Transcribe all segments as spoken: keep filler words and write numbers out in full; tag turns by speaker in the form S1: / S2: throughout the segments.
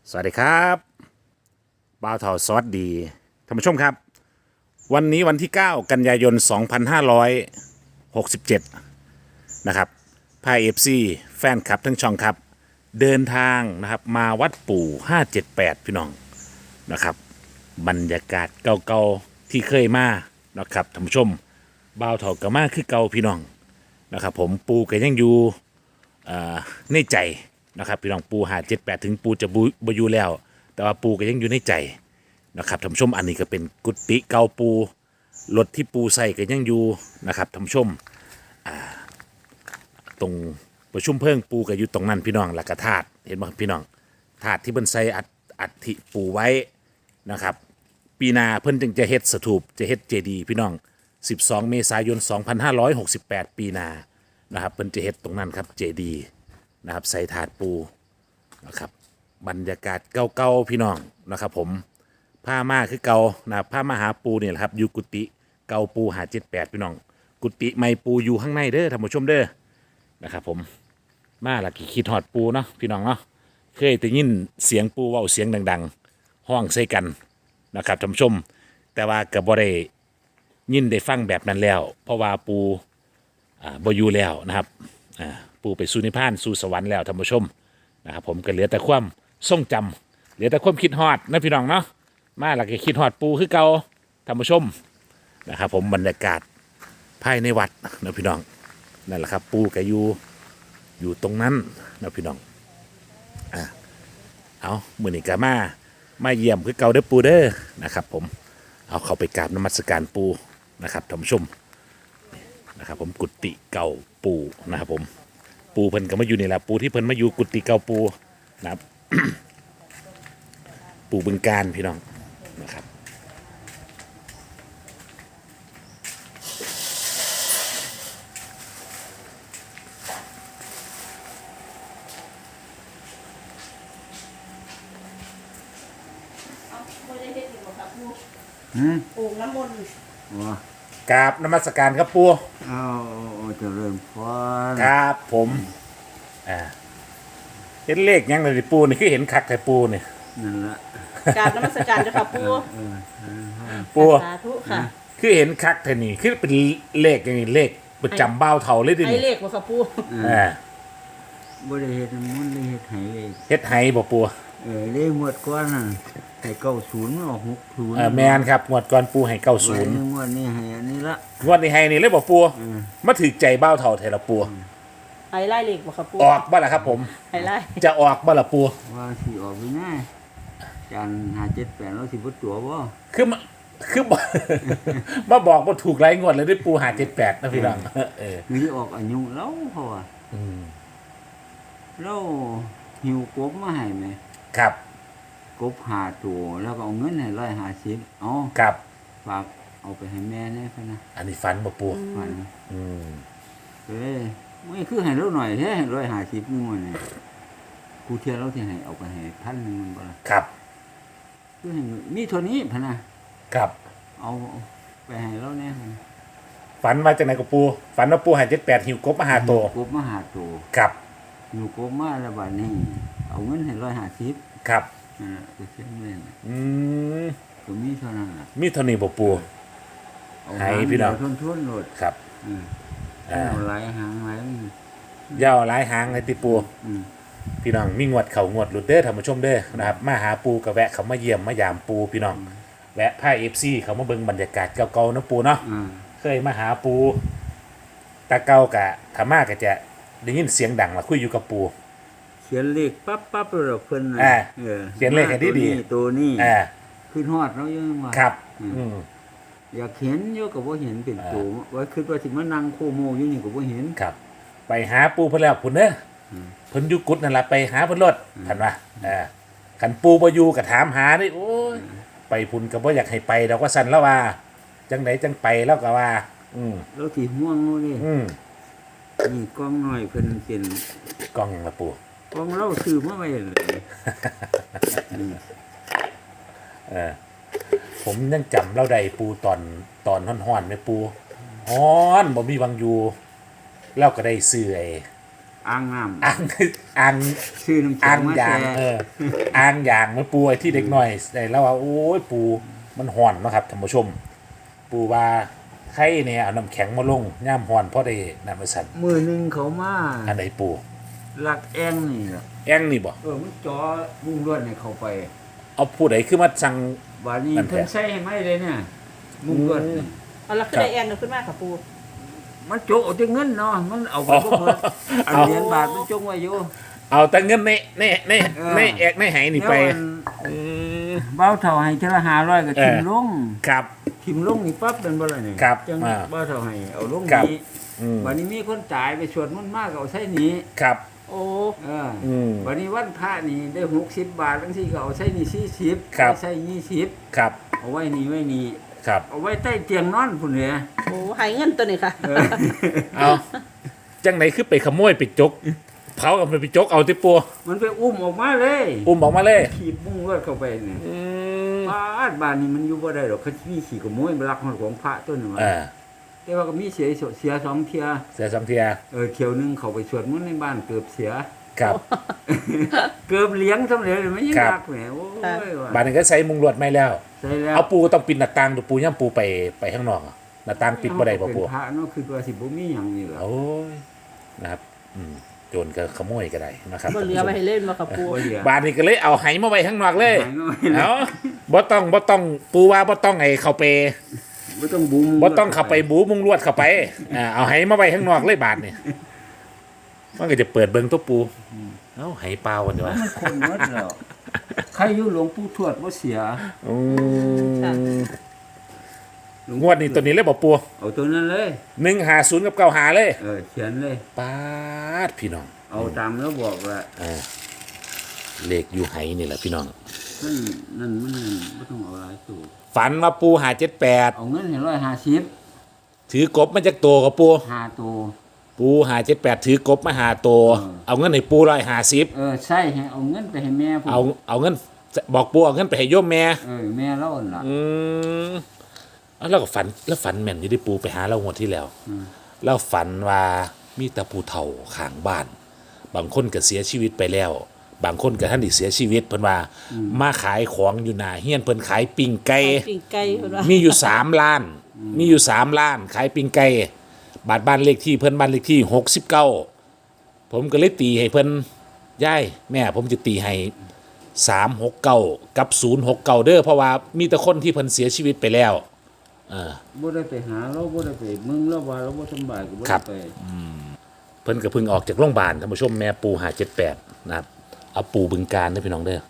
S1: สวัสดีครับบ่าวเถาสวัสดีท่านผู้ชมครับวันนี้วันที่เก้ากันยายนสองพันห้าร้อยหกสิบเจ็ดนะครับพาเอฟซีแฟนคลับทั้งช่องครับเดินทางนะครับมาวัดปู่ห้าเจ็ดแปดพี่น้องนะครับบรรยากาศเก่าๆที่เคยมานะครับท่านผู้ชมบ่าวเถาก็มาคือเก่าพี่น้องนะครับผมปู่ก็ยังอยู่อ่าในใจนะครับพี่น้องปูหาเจ็ดแปดถึงปูจะบุบอยู่แล้ว แต่ว่าปูก็ยังอยู่ในใจนะครับท่านผู้ชมอันนี้ก็เป็นกุฏิเก่าปูรถที่ปูใส่ก็ยังอยู่นะครับท่านผู้ชมอ่าตรงประชุมเพิ่งปูก็อยู่ตรงนั้นพี่น้องหลักธาตุเห็นไหมพี่น้องธาตุที่เพิ่นใส่อัฐอัฐิปูไว้นะครับปีหนาเพิ่นจึงจะเฮ็ดสถูปจะเฮ็ดเจดีย์พี่น้องสิบสองเมษายนสองพันห้าร้อยหกสิบแปดปีหนานะครับเพิ่นจะเฮ็ดตรงนั้นครับเจดีย์นะครับใส่ถาดปูนะครับบรรยากาศเก่าๆพี่น้องนะครับผมผ้ามาคือเก่านะผ้ามาหาปูเนี่ยแหละครับอยู่กุฏิเก่าปูหาเจ็ดแปดพี่น้องกุฏิไม่ปูอยู่ข้างในเด้อท่านผู้ชมเด้อนะครับผมมาละกี่คิดฮอดปูเนาะพี่น้องเนาะเคยได้ยินเสียงปูเว้าเสียงดังๆห้องใส่กันนะครับท่านผู้ชมแต่ว่าก็บ่ได้ยินได้ฟังแบบนั้นแล้วเพราะว่าปูอ่าบ่อยู่แล้วนะครับอ่าปูไปสู่นิพพานสู่สวรรค์แล้วท่านผู้ชมนะครับผมก็เหลือแต่ความทรงจำเหลือแต่ความคิดฮอดนะพี่น้องเนาะมาหลักคิดฮอดปูคือเก่าท่านผู้ชมนะครับผมบรรยากาศภายในวัดนะพี่น้องนั่นแหละครับปูก็อยู่อยู่ตรงนั้นนะพี่น้องอ่ะเอามื้อนี้ก็มามาเยี่ยมคือเก่าเด้อปูเด้อนะครับผมเอาเข้าไปกราบนมัสการปูนะครับท่านผู้ชมนะครับผมกุฏิเก่าปูนะครับผมปูเพิ่นก็มาอยู่นี่แหละปูที่เพิ่นมาอยู่กุฏิเก่าปูนะครับ ปูบึงการพี่น้องนะครับ
S2: อืม
S3: โอ่งน้ำมนต์
S2: ว่าก
S1: ราบนมัสการครับปู
S2: เอาเอาเจริญพร
S1: ครับผมอ่าเห็นเลขยังเลยปูนี่คือเห็นคักแต่ปูนี่
S2: นั่นละ
S3: กราบนมัสการเจ้าค่ะปู
S2: เออเออ
S1: ปู
S3: สาธุค่ะ
S1: คือเห็นคักแต่นี่คือเป็นเลขอย่างนี้เลขประจำเบ้าเท่าเลยดิ
S3: ไอ
S1: นี่
S3: เลขบ่ค่ะปู
S1: อ่า
S2: บ่ได้เฮ็ดมันได้เฮ็ดให้เลย
S1: เฮ็ดไห้บ่ปู
S2: เออเลขหมดก่อนน่ะให้เก้าศูนย์ออกหกศูนย์
S1: เออแมนครับงวดก่อนปูให้เก้าศูนย์
S2: งวดนี้ให้อันนี้ละ
S1: งวดนี้ให้นี่เลยบ่ปู
S2: เออ
S1: มาถือใจเบ้าเท่าไทยละปู
S3: ไอไล่เลขบ่ค่ะปู
S1: ออกบ่ล่ะครับผม
S3: ไอไล่
S1: จะออกบ่ล่ะปู
S2: ว่าสิออกไปแน่จานห้าเจ็ดแปดแล้วสิบ่ตัวบ่
S1: คือมาคือ บอก มาบอกว่าถูกไรงวดเลยด้วยปูหาเจ็ดแปดนะพี่น้องเออ
S2: คือสิออกอายุแล้วเพราะว่า
S1: อืม
S2: เราหิวกบมาให้แม่
S1: ครับ
S2: กบห้าตัวแล้วก็เอาเงินให้ร้อยห้าสิบเอา
S1: ครับ
S2: ฝากเอาไปให้แม่แน่พะนะ
S1: อันนี้ฟันบ่ปู
S2: ฝัน
S1: อืม
S2: เอ้ยไม่คือให้เราหน่อยแท้ร้อยห้าสิบนี่มันนี่กูเทียเราที่ให้เอาไปให้พันหนึ่งมันบ่ละ
S1: ครับ
S2: คือให้มีเท่านี้พะนะครับ เอาไปให้เราแน่พะนะ
S1: ฝันมาจากไหนกับปูฝันว่าปูหาเจ็ดแปดหิวกบมาหาโตว
S2: กบมาหาตัว
S1: ครับ
S2: อยู่กบมาแล้วบัดนี้ เอาเงินให้ร้อยห้าสิบ
S1: ครับ
S2: นั่นแหละคือเสียงเล่น
S1: อืม
S2: ก็มีเท่านั้นล่ะ
S1: มีเท่านี้บ่ปู
S2: เอา
S1: ให้พี่น้อง
S2: ทนทวนๆโลด
S1: ครับ
S2: อืม
S1: อ่า
S2: เอาหลายหางหลายมัน
S1: ยาวหลายหางเลยติปู
S2: อืม
S1: พี่น้องมีงวดเขางวดหลุดเด้อท่านผู้ชมเด้อนะครับมาหาปูกับแวะเขามาเยี่ยมมายามปูพี่น้องแวะผ้าเอฟซีเขามาเบิ่งบรรยากาศเก่าๆเนาะปูเนาะ
S2: อ่า
S1: เคยมาหาปูตาเก่ากะธรรมาก็จะได้ยินเสียงดังละคุยอยู่กับปู
S2: เขียนเลขปั๊บปั๊บเลยเพิ่นน่ะ
S1: อ่า
S2: ออ
S1: เขียนเลขให้ดีๆ
S2: ตัวนี้ตัวนี้
S1: อ่า
S2: ขึ้นฮอดเรายังว่า
S1: ครับ
S2: อืม
S1: อืม
S2: อยากเห็นอยู่ก็บ่เห็นเป็น
S1: อ่า
S2: ตัวว่าคิดว่าสิมานั่งโคโมอยู่นี่ก็บ่เห็น
S1: ครับ ไปหาปูเพิ่นแล้วพุ่นเด้ออ
S2: ม
S1: เพิ่นอยู่กุดนั่นล่ะไปหาเพิ่นรถท่านว่าอ่าคันปูบ่อยู่ก็ถามหานี่โอ้ยไปพุ่นก็บ่อยากให้ไปดอกว่าซั่นแล้วว่า จังไดจังไปแล้วก็ว่า อืม
S2: แล้วสิห่วงเอาเด้
S1: อืม
S2: นี่กล้องน้อยเพิ่นเป็น
S1: กล้องหยังละปู
S2: กล้องเราซื้อมาไว้เลยอืม
S1: เออผมยังจำเราได้ปูตอนตอนฮ้อนๆแม่ปูฮ้อนบ่มีวังอยู่เราก็ได้ซื้อไอ้
S2: อ่างน้ำ
S1: อ่างอ่าง
S2: ชื่อน้ำแข็
S1: อ่าง ง
S2: มา
S1: ยาง
S2: แช่
S1: เอออ่างยางมันปูไอ้ที่เด็กน้อยได้แล้วว่าโอ้ยปูมันห่อนเนาะครับท่านผู้ชม ปูว่าใครเนี่ยเอาน้ำแข็งมาลงย่ามห่อนเพราะได้น้ำมันสั่น
S2: มือหนึงเขามา
S1: อันไหนปู
S2: ลักแองนี่ล่ะ
S1: แองนี่บ่
S2: เออมันจ่อมุ่งลวดให้เข้าไป
S1: เอาผู้ใดคือมาสั่ง
S2: บาดนี้
S1: นั่นแหละ
S2: เพิ่นใส่ให้ไหมเลยเนี่ยมุ่งลวดนี่
S3: เอาละขึ้นได้แอนขึ้นมาค่ะปู
S2: มันโจกเอาแต่เงินเนาะมันเอาไปบ่หมดอันเหรียญบาทมันจงไว้อยู่
S1: เอาแต่เงินในในใน
S2: เออ
S1: ในแอกในไหนี่ไป
S2: แล้วอัน
S1: อืม
S2: เบ้าเท่าให้เทอละห้าร้อยก็
S1: เออ
S2: ทิมลง
S1: ครับ
S2: ทิมลงนี่ปั๊บเป็นบ่ล่ะนี่
S1: ครับ
S2: จัง
S1: อ่า
S2: เบ้าเท่าให้เอาลง
S1: ครับ
S2: นี้
S1: อืม
S2: บัดนี้มีคนจ่ายไปสวดมนต์มากก็เอาใส่นี้
S1: ครับ
S3: โอ้
S2: เออ
S1: อืม
S2: บัดนี้วันพระนี่ได้หกสิบบาทจังซี่ก็เอาใส่นี่สี่สิบ
S1: ครับ
S2: เอาใส่ยี่สิบ
S1: ครับ
S2: เอาไว้นี่ไว้นี่
S1: ครับ
S2: เอาไว้ใต้เตียงนอนพุ่นแหละ
S3: โหหายเงินตัวนี้ค่ะ
S2: เออ
S1: เอาจังไหนคือไปขโมยไปจกเผากับไปจกเอาที่ปัว
S2: มันไปอุ้มออกมาเลย
S1: อุ้มออกมาเลย
S2: ขีบมุ่งเลือดเข้าไปนี่
S1: อืม
S2: บ้านบ้านนี่มันอยู่บ่ได้หรอกเขามีขี่ขโมยลักของพระต้นนึง
S1: เออ
S2: แต่ว่าก็มีเสียเสียสองเที่ย
S1: เสียสองเทีย
S2: เออเที่ยวหนึงเขาไปสวดมนต์ในบ้านเกือบเสีย
S1: ครับ
S2: เกือบเลี้ยงสำเร็จเลยไม่ยัง
S1: ครับ
S2: รักแหมโอ้ยว่ะ
S1: บ้านนึงก็ใส่มุงลวดไม่แล้ว
S2: ใช่แล้ว
S1: เอาปูต้องปิดหน้าต่างดูปูย่ำปูไปไปข้างนอกอะหน้าต่างปิดบ่ได้บ่ปู
S2: เป็นพระเนาะคือว่าสิบ่มีหยังนี่ล่ะ
S1: โอ้ยนะครับอืมโจรก็ขโมยก็ได้นะครับ
S3: บ่เหลือไปให้เล่นมาค่ะปู
S2: บ่เหลือ
S1: บ้านนี้ก็เลยเอาไหมาไว้ข้างนอกเลย
S2: หายน้อยเลย
S1: เอาบ่ต้องบ่ต้องปูว่าบ่ต้องไอ้เข้าไป
S2: บ่ต้องบุ้ม
S1: บ่ต้องเข้าไปบูมุงลวดเข้าไปอ่าเอาไหมาไว้ข้างนอกเลยบาทนี่มันก็จะเปิดเบิ่งตัวปูเอ้าไหเปล่ากันดีวะ
S2: มันคนหมดแล้วใครอยู่หลวงปู่ทวดบ่เสีย
S1: อืม
S2: หล
S1: งวดนี้ตัวนี้เลยบ่ปู
S2: เอาตัวนั้นเลย
S1: หนึ่งห้าศูนย์กับเก้าห้าเลย
S2: เออเขียนเลย
S1: ปาดพี่น้อง
S2: เอาตามแล้วบอกว่า
S1: อ่าเลขอยู่ไหนี่แหละพี่น้อง
S2: นั่นนั่นมันไม่ต้องเอาหลายตัว
S1: ฝันว่าปูหาเจ็ดแปด
S2: เอาเงินให้ร้อยห้าสิบ
S1: ถือกบมาจากตัวกับปู
S2: ห้าตัว
S1: ปูหาเจ็ดแปดถือกบมาหาตัว
S2: เออ
S1: เอาเงินให้ปูร้อยหาสิบ
S2: เออใช่ให้เอาเงินไปให้แม่ผม
S1: เอาเอาเงินบอกปูเอาเงินไปให้โยมแม่
S2: เออแม่เล่าหั่นล่ะ
S1: อืมเอาแล้วก็ฝันแล้วฝันแม่นอยู่ที่ปูไปหาเรางวดที่แล้ว
S2: อืม
S1: แล้วฝันว่ามีแต่ผู้เฒ่าข้างบ้าน บางคนก็เสียชีวิตไปแล้ว บางคนก็ท่านที่เสียชีวิตเพิ่นว่ามาขายของอยู่หน้าเฮียนเพิ่นขายปิ้งไก่
S3: ปิ่งไก่เพิ่นว่า
S1: มีอยู่สามล้าน มีอยู่สามล้าน ขายปิ้งไก่บาทบ้านเลขที่เพิ่นบ้านเลขที่หกสิบเก้าผมก็เลยตีให้เพิ่นย่ายแม่ผมจะตีให้สามหกเก้ากับศูนย์หกเก้าเด้อเพราะว่ามีแต่คนที่เพิ่นเสียชีวิตไปแล้วเออ
S2: บ่ได้ไปหาเราบ่ได้ไปเมืองเราว่าเราบ่สำบายก็บ่
S1: ครั
S2: ได้
S1: บ
S2: ไป
S1: เพิ่นก็เพิ่งออกจากโรงพยาบาลท่านผู้ชมแม่ปูหาเจ็ดแปดนะครับเอาปูบึงการได้อพี่น้องเด้อ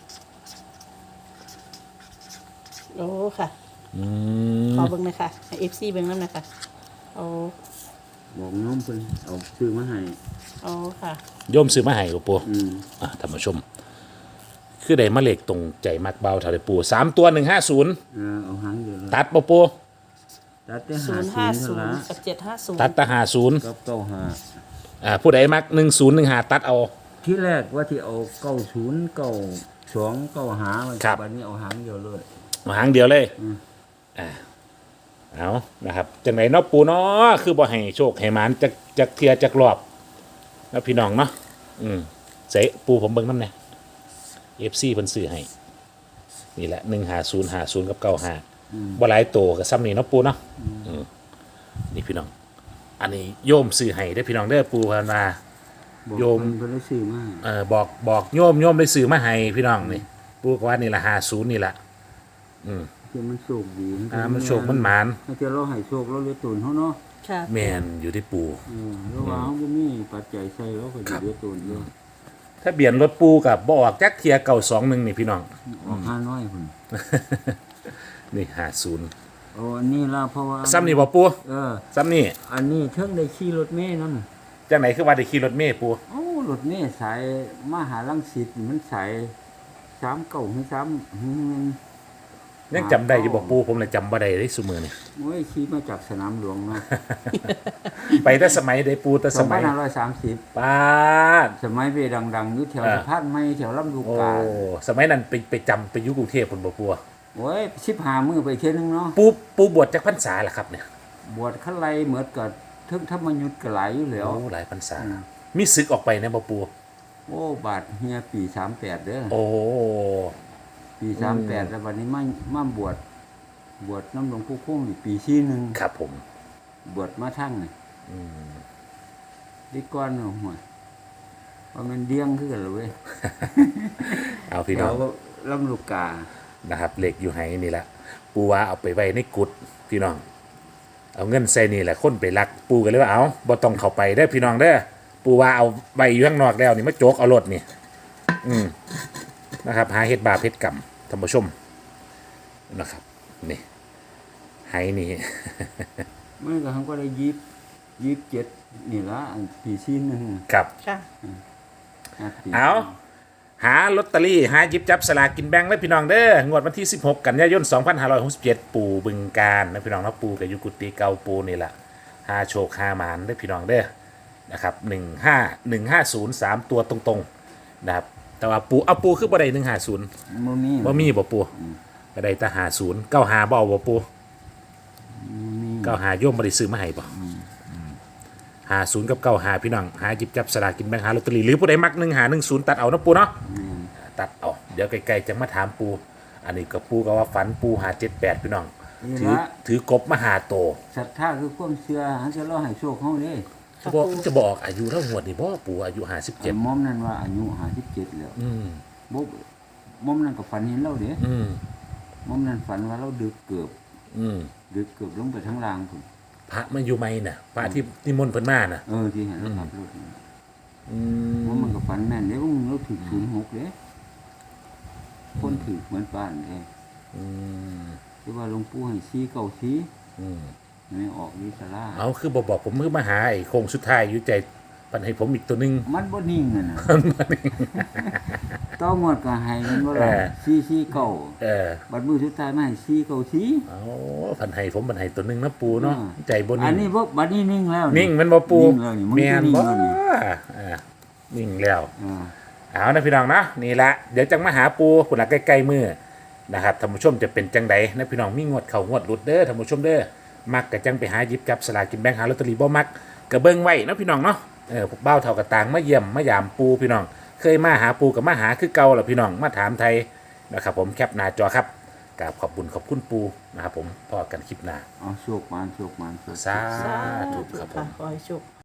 S3: โอ้ค่ะ
S1: อืม
S3: ขอเบิ่งหน่อยค่ะให้ เอฟ ซี เบิ่งนำหน่อยค่ะโอ้
S2: บอกน้องเพิ่นเอาซื้อมาให้
S3: โอ้ค่ะ
S1: โยมซื้อมาให้บ่ปู
S2: อืม
S1: อ่ะท่านผู้ชม คือได้มาเลขตรงใจมักเบาเท่าไดปูสามตัวหนึ่งห้าศูนย์
S2: เออเอาหางเดียวเลย
S1: ตัดบ่ปู
S2: ตัดแต่
S3: ศูนย์
S2: ห้า
S3: ห้า
S2: ศู
S3: ศู
S2: น
S3: น
S2: ย์
S3: ย์
S2: ละ
S3: กับเจ็ดห้าศูนย์
S1: ตัดแตะหาศูนย์
S2: กับเก้าห้า
S1: อ่าผู้ใดมักหนึ่งศูนย์หนึ่งหาตัดเอา
S2: ที่แรกว่าที่เอาเก้าศูนย์เก้าสองเก้าหา
S1: ครับ
S2: บัดนี้เอาหางเดียวเลย
S1: หางเดียวเลย
S2: อืม
S1: อ่าเอานะครับจังไหนเนาะปูเนาะคือบ่ให้โชคให้หมานจักจักเทียจักรอบแล้วพี่น้องเนาะอืมเสะปูผมเบิ่งนำแน่ เอฟ ซี เพิ่นซื้อให้นี่แหละหนึ่งห้าศูนย์ห้าศูนย์กับเก้าห้าบ่หลายโตก็ซ้ำนี่เนาะปูเนาะอืมนี่พี่น้อง อันนี้โยมซื้อให้ได้อพี่น้องเด้อปูเพิ่นว่า
S2: บอก
S1: โยม
S2: เพิ่นเพิ่นได้ซื้อมา
S1: เออบอกบอกโยมโยมได้ซื้อมาให้พี่น้องนี่ปูก็ว่านี่ละห้าศูนย์นี่แหละ
S2: ที่มันโชคดี
S1: อ่ามันโชคมันหมาน
S2: ถ้าเจอเราให้โชคเราเลยตุนเฮาเนาะ
S3: ค่ะ
S1: แม่นอยู่ที่ปู
S2: เออแล้วว่าเฮาบ่มีปัจจัยใส่เราก็สิเหลือตุนอยู่
S1: ถ้าเบียนรถปูกับบ่ออกจักเทียเก่าสองหนึ่งนี่พี่น้อง
S2: ออกห้าน้อยพุ่น
S1: นี่ห้าศูนย์
S2: โอ้อันนี้ล่ะเพราะว่า
S1: ซ้ำนี่บ่ปู
S2: เออ
S1: ซ้ำนี่
S2: อันนี้เทิงได้ขี่รถเมล์นำ
S1: จังไหนคือว่าได้ขี่รถเมล์ปู
S2: โอ้รถเมล์สายมหาลังสิตนี่มันสายสามเก้าถึงสามหึง
S1: ยังจำได้อยู่บ่ปูผมเลยจำบ่ได้เลยซุมือนี่
S2: โอ้ยขี่มาจากสนามหลวงเนาะ
S1: ไปแต่สมัยได้ปูแต่สมัย
S2: สองพันห้าร้อยสามสิบ
S1: ป้าด
S2: สมัยไปดังๆอยู่แถว
S1: เออ
S2: สะพานไม้แถวลำลูก
S1: โอ้
S2: กา
S1: สมัยนั้นไปไปจำไปอยุกรุงเทพฯพุ่นบ่ปู
S2: โอ้ยสิบห้ามื้อไปเที่ยวนึงเนาะ
S1: ปูปูบวชจักพรรษาล่ะครับเนี่ย
S2: บวชคันไลเหมือนกับทึงธรรมยุทธ์ก็หลายอยู่แล้ว
S1: โอ้หลายพรรษา
S2: อืม
S1: มีศึกออกไปนะบ่ปู
S2: โอ้บาดเฮียปีสามแปดเด้อ
S1: โอ้
S2: ปีสามแปดแล้ววันนี้มามาบวชบวชน้ำหลวงปู่คงนี่ปีสี่หนึ่ง
S1: ครับผม
S2: บวชมาทั้งนี่
S1: อืม
S2: ดีก้อนหัวว่ามันเดี้ยงขึ้นกันเลยเว้ย
S1: เอาพี่น้อง
S2: เดี๋ยวลำลูกกา
S1: นะครับเหล็กอยู่ไหนี่แหละปูว่าเอาไปไว้ในกุดพี่น้อง เอาเงินใส่นี่แหละคนไปลัก ปูกันเลยว่าเอาบ่ต้องเข้าไปได้อพี่น้องเด้อปูว่าเอาใบอยู่ข้างนอกแล้วนี่มาโจกเอารถนี่อืมนะครับ หาเฮ็ดบาปเฮ็ดกรรมท่านผู้ชมนะครับนี่ไหนี่
S2: มันก็ทั้งก็ได้ยิบยิบเจ็ดนี่ละอันปีสี่หนึ่ง
S1: ครับ
S3: ค่ะ
S2: ห้ปี
S1: เอาหาลอตเตอรี่หาหยิบจับสลากกินแบ่งเลยพี่น้องเด้องวดวันที่สิบหกกันยายนสองพันห้าร้อยหกสิบเจ็ดปู่บึงการนะพี่น้องนะปู่กับยุกุติเกาปูนี่แหละหาโชคหาหมานได้อพี่น้องเด้อนะครับหนึ่งห้าหนึ่งห้าศูนย์สามตัวตรงๆนะครับแต่ว่าปูเอาปูคือบ่ได้หนึ่งห้าศูนย์
S2: บ่มี
S1: บ่มีบ่ปูก็ได้แต่หาศูนย์เก้าหาบ่เอาบ่ปู
S2: บ่มี
S1: เก้าหาโยมบ่ได้ซื้อมาให้บ่หาศูนย์กับเก้าหาพี่น้องหาหยิบจับสลากกินแบ่งหาลอตเตอรี่หรือผู้ใดมักหนึ่งหาหนึ่งศูนย์ตัดเอานะปูเนาะ ตัดเอาเดี๋ยวไกลๆจะมาถามปู อันนี้ก็ปูก็ว่าฝันปูหาเจ็ดแปดพี่น้อง
S2: นี่
S1: ถือ
S2: ละ
S1: ถือกบมาหาโต
S2: ศรัทธาคือความเชื่อหาจะรอให้โชคเฮาเด้
S1: จะบอกจะบอกอายุเท่าหวดนี่บ่ปูอายุหาสิบ
S2: ไอ้
S1: เจ็ด
S2: มอมนั่นว่าอายุห้าสิบเจ็ดแล้ว
S1: อืม
S2: บ่มอมนั่นก็ฝันเห็นเราเด้
S1: อืม
S2: มอมนั่นฝันว่าเราดึกเกือบ
S1: อืม
S2: ดึกเกือบลงไปทั้งรางพุ่น
S1: พระมาอยู่ไหมน่ะพระที่นิมนต์เพิ่นมาน่ะ
S2: เออที่เห็นเราขับรถนี่
S1: อื
S2: มอมมันก็ฝันแม่นเด้ว่ามึงเราถึกศูนย์หกเด้คนถึกเหมือนป้านเด้
S1: อืม
S2: ที่ว่าหลวงปู่ให้ชี้เก้าชี้
S1: อืม
S2: ไม่ออกนิสลา
S1: เอาคือบ่บอกผมมือมาหาไอ้โคงสุดท้ายอยู่ใจปันให้ผมอีกตัวหนึง
S2: มันบ่นิ่งน่ะนะต้องงวดก็ให้มันบ่ล่ะ
S1: เออ
S2: ชี้ชี้เก้า
S1: เออ
S2: บัดมือสุดท้ายมาให้ชี้เก้าชี้
S1: เอาพันให้ผมปันให้ตัวหนึงนะปูเนาะ
S2: อ่า
S1: ใจบ่
S2: อั
S1: นิ่
S2: น
S1: ง
S2: นี้บ่บัดนี้นิ่งแล้ว
S1: นิ่งแมันบ่ปู
S2: นิ่งแล้วนี่มึง
S1: แม่
S2: จะ
S1: น
S2: นิ่ง
S1: บ่
S2: แล้วนี่
S1: อ่านิ่งแล้ว
S2: อ่า
S1: เอานะพี่น้องนะนี่ละเดี๋ยวจังมาหาปูคุณละใกล้ๆมือนะครับท่านผู้ชมจะเป็นจังใดนะพี่น้องมีงวดเข่างวดหลุดเด้อท่านผู้ชมเด้อมักกะจังไปหาหยิบจับสลากกินแบ่งหาลอตเตอรี่บ่มักกะเบิ่งไว้นะพี่น้องเนาะเออพวกเบ้าเท่ากระตางมาเยี่ยมมายามปูพี่น้อง เคยมาหาปูกับมาหาคือเก่าล่ะพี่น้องมาถามไทยนะครับผมแคปหน้าจอครับกราบขอบคุณขอบคุณปูนะครับผมพอกันคลิปหน้า
S2: เอาโชคมานโชคมานโชค
S1: สา
S3: สา
S1: ธุ
S3: ธุ
S1: ครับผ
S3: ค่ะ
S1: ม
S3: ขอให้โชค